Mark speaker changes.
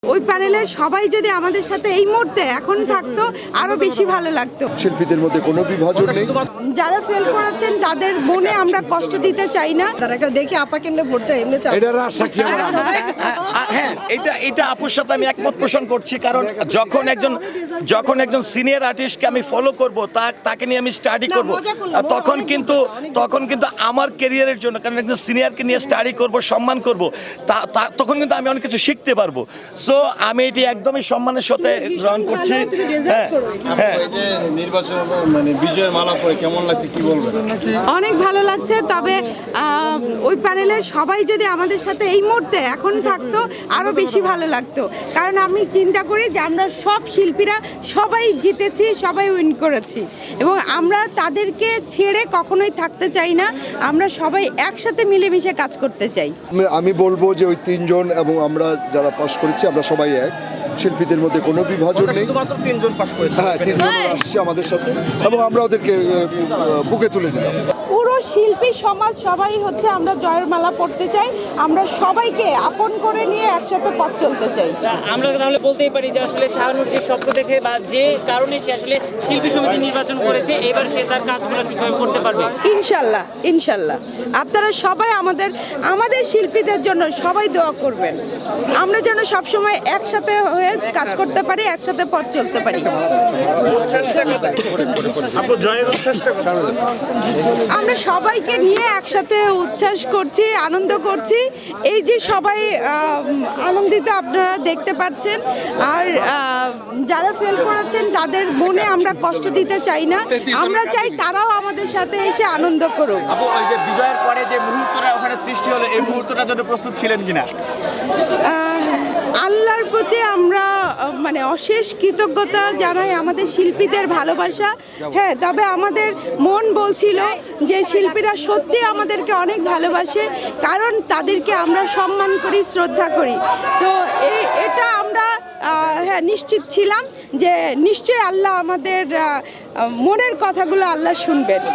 Speaker 1: ওই প্যানেলের সবাই যদি আমাদের সাথে এই মুহূর্তে এখন থাকতো আরো বেশি ভালো লাগতো।
Speaker 2: শিল্পীদের মধ্যে কোনো বিভাজন নেই।
Speaker 1: যারা ফেল করেছেন তাদের মনে আমরা কষ্ট দিতে চাই না।
Speaker 3: তারা দেখি আপা কেমনে ভোট চাই এমনি চাই।
Speaker 2: এটা রাজশাহী
Speaker 4: হ্যাঁ, এটা আপুর সাথে আমি একমত পোষণ করছি, কারণ যখন একজন সিনিয়র আর্টিস্টকে আমি ফলো করব, তাকে নিয়ে আমি স্টাডি করব, তখন কিন্তু আমার ক্যারিয়ারের জন্য, কারণ একজন সিনিয়রকে নিয়ে স্টাডি করব, সম্মান করব, তখন কিন্তু আমি অনেক কিছু শিখতে পারবো। সো আমি এটি একদমই সম্মানের সাথে গ্রহণ করছি। হ্যাঁ,
Speaker 5: নির্বাচন মানে বিজয়ের মালা পরে কেমন লাগছে কি বলবেন?
Speaker 1: অনেক ভালো লাগছে, তবে ওই প্যানেলের সবাই যদি আমাদের সাথে এই মুহূর্তে এখন থাকতো আরো বেশি ভালো লাগতো। কারণ আমি চিন্তা করি যে আমরা সব শিল্পীরা সবাই জিতেছি, সবাই উইন করেছি, এবং আমরা তাদেরকে ছেড়ে কখনোই থাকতে চাই না। আমরা সবাই একসাথে মিলেমিশে কাজ করতে চাই।
Speaker 2: আমি বলবো যে ওই তিনজন এবং আমরা যারা পাশ করেছি আমরা সবাই এক। শিল্পীদের মধ্যে কোনো বিভাজন নেই। হ্যাঁ, তিনজন আসছে আমাদের সাথে এবং আমরা ওদেরকে বুকে তুলে নিলাম।
Speaker 1: পুরো শিল্পী সমাজ সবাই হচ্ছে আমরা জয়ের মালা পড়তে চাই, আমরা সবাইকে আপন করে নিয়ে একসাথে পথ চলতে চাই।
Speaker 6: আমরা তাহলে বলতেই পারি যে আসলে শাহানূর যে স্বপ্ন দেখে বা যে কারণে সে আসলে শিল্পী সমিতি নির্বাচন করেছে, এবার সে তার কাজগুলো ঠিকভাবে করতে পারবে
Speaker 1: ইনশাল্লাহ, ইনশাল্লাহ। আপনারা সবাই আমাদের শিল্পীদের জন্য সবাই দোয়া করবেন, আমরা যেন সবসময় একসাথে হয়ে কাজ করতে পারি, একসাথে পথ চলতে পারি। আমরা সবাইকে নিয়ে একসাথে উচ্ছ্বাস করছি, আনন্দ করছি। এই যে সবাই আনন্দিত আপনারা দেখতে পাচ্ছেন, আর যারা ফেল করেছেন তাদের মনে আমরা কষ্ট দিতে চাই না। আমরা চাই তারাও আমাদের সাথে এসে আনন্দ করুক।
Speaker 4: আপু, ওই যে বিজয়ের পরে যে মুহূর্তটা ওখানে সৃষ্টি হলো, এই মুহূর্তটার জন্য প্রস্তুত ছিলেন কিনা?
Speaker 1: আল্লাহর প্রতি আমরা অশেষ কৃতজ্ঞতা জানাই, আমাদের শিল্পীদের ভালোবাসা। হ্যাঁ, তবে আমাদের মন বলছিল যে শিল্পীরা সত্যি আমাদেরকে অনেক ভালোবাসে, কারণ তাদেরকে আমরা সম্মান করি, শ্রদ্ধা করি। তো এটা আমরা নিশ্চিত ছিলাম যে নিশ্চয়ই আল্লাহ আমাদের মনের কথাগুলো আল্লাহ শুনবেন।